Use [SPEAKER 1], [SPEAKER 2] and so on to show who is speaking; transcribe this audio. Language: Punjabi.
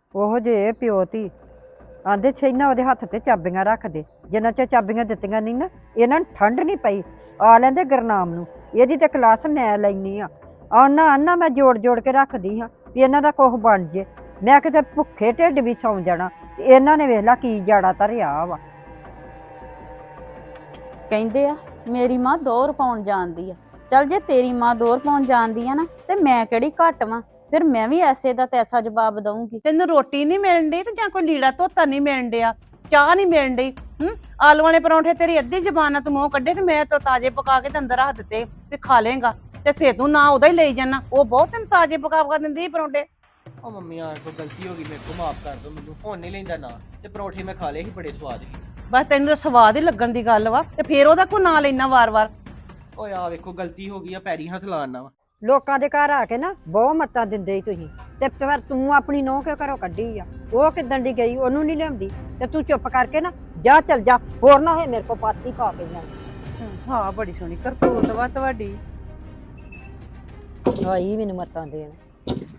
[SPEAKER 1] ਉਹੋ ਜੇ ਪਿਓ ਧੀ ਆਂਦੇ ਛੇਨਾ ਉਹਦੇ ਹੱਥ ਤੇ ਚਾਬੀਆਂ ਰੱਖ ਦੇ। ਜਿੰਨਾ ਚਿਰ ਚਾਬੀਆਂ ਦਿੱਤੀਆਂ ਨਹੀਂ ਨਾ ਇਹਨਾਂ ਨੂੰ ਠੰਡ ਨਹੀਂ ਪਈ। ਆ ਲੈਂਦੇ ਗੁਰਨਾਮ ਨੂੰ, ਇਹਦੀ ਤੇ ਕਲਾਸ ਮੈਂ ਲੈਣੀ ਆ। ਆਨਾ ਮੈਂ ਜੋੜ ਜੋੜ ਕੇ ਰੱਖਦੀ ਹਾਂ ਵੀ ਇਹਨਾਂ ਦਾ ਕੁਛ ਬਣ ਜੇ। ਮੈਂ ਕਿਤੇ ਭੁੱਖੇ ਢਿੱਡ ਵੀ ਸੌਂ ਜਾਣਾ ਤੇ ਇਹਨਾਂ ਨੇ ਵੇਖ ਲਾ ਕੀ ਜਾੜਾ ਧਰਿਆ ਵਾ।
[SPEAKER 2] ਕਹਿੰਦੇ ਆ ਮੇਰੀ ਮਾਂ ਦੋਹਰ ਪਾਉਣ ਜਾਣਦੀ ਆ। ਚੱਲ ਜੇ ਤੇਰੀ ਮਾਂ ਦੋਹਰ ਪਾਉਣ ਜਾਣਦੀ ਆ ਨਾ ਤੇ ਮੈਂ ਕਿਹੜੀ ਘੱਟ ਵਾਂ। ਫਿਰ ਮੈਂ ਵੀ ਐਸੇ ਦਾ ਤੈਸਾ ਜਵਾਬ ਦਊਂਗੀ।
[SPEAKER 3] ਤੈਨੂੰ ਰੋਟੀ ਨਹੀਂ ਮਿਲਣ ਡਈ ਤੇ ਜਾਂ ਕੋਈ ਲੀੜਾ ਧੋਤਾ ਨਹੀਂ ਮਿਲਣ ਡਿਆ, ਚਾਹ ਨਹੀਂ ਮਿਲਣ ਡਈ। ਆਲੂ ਵਾਲੇ ਪਰੌਂਠੇ ਤੇਰੀ ਅੱਧੀ ਜ਼ਬਾਨ ਨਾਲ ਤੂੰ ਮੂੰਹ ਕੱਢੇ ਤੇ ਮੈਂ ਤਾਂ ਤਾਜ਼ੇ ਪਕਾ ਕੇ ਤੇ ਅੰਦਰ ਰੱਖ ਦਿੱਤੇ ਵੀ ਖਾ ਲੇਗਾ ਤੇ ਫੇਰ ਤੂੰ ਨਾ ਉਹਦਾ ਹੀ ਲਈ ਜਾਣਾ। ਉਹ ਬਹੁਤ ਤੈਨੂੰ ਤਾਜ਼ੇ ਪਕਾ ਦਿੰਦੀ ਸੀ ਪਰੌਂਠੇ।
[SPEAKER 4] ਉਹ ਮੰਮੀ ਆ ਕੋ ਗਲਤੀ ਹੋ ਗਈ, ਮੇਰੇ ਕੋ ਮਾਫ ਕਰ ਦੋ ਮੈਨੂੰ। ਹੁਣ ਨਹੀਂ ਲੈਂਦਾ ਨਾ। ਤੇ ਪਰੌਂਠੇ ਮੈਂ ਖਾ ਲਏ ਸੀ, ਬੜੇ ਸਵਾਦ ਸੀ।
[SPEAKER 3] ਬਸ ਤੈਨੂੰ ਤਾਂ ਸਵਾਦ ਹੀ ਲੱਗਣ ਦੀ ਗੱਲ ਵਾ ਤੇ ਫੇਰ ਉਹਦਾ ਕੋ ਨਾਂ ਲੈਣਾ ਵਾਰ-ਵਾਰ।
[SPEAKER 4] ਓਏ ਆ ਵੇਖੋ ਗਲਤੀ ਹੋ ਗਈ ਆ, ਪੈਰੀ ਹੱਥ ਲਾਣਾ ਵਾ।
[SPEAKER 1] ਲੋਕਾਂ ਦੇ ਘਰ ਆ ਕੇ ਨਾ ਬਹੁਤ ਮੱਤਾਂ ਦਿੰਦੇ ਹੀ ਤੁਸੀਂ ਤੇ ਫਿਰ ਤੂੰ ਆਪਣੀ ਨੂੰਹ ਕਿਉਂ ਘਰੋਂ ਕੱਢੀ ਆ? ਉਹ ਕਿੱਦਣ ਦੀ ਗਈ ਉਹਨੂੰ ਨਹੀਂ ਲਿਆਉਂਦੀ ਤੇ ਤੂੰ ਚੁੱਪ ਕਰਕੇ ਨਾ ਜਾ, ਚੱਲ ਜਾ। ਹੋਰ ਨਾ ਹੋਏ ਮੇਰੇ ਕੋ ਪਾਤੀ ਪਾ ਕੇ ਜਾ।
[SPEAKER 3] ਹਾਂ ਬੜੀ ਸੋਹਣੀ ਕਰਤੂਤ ਵਾ ਤੁਹਾਡੀ।
[SPEAKER 1] ਆਈ ਮੈਨੂੰ ਮੱਤਾਂ ਦੇਣ।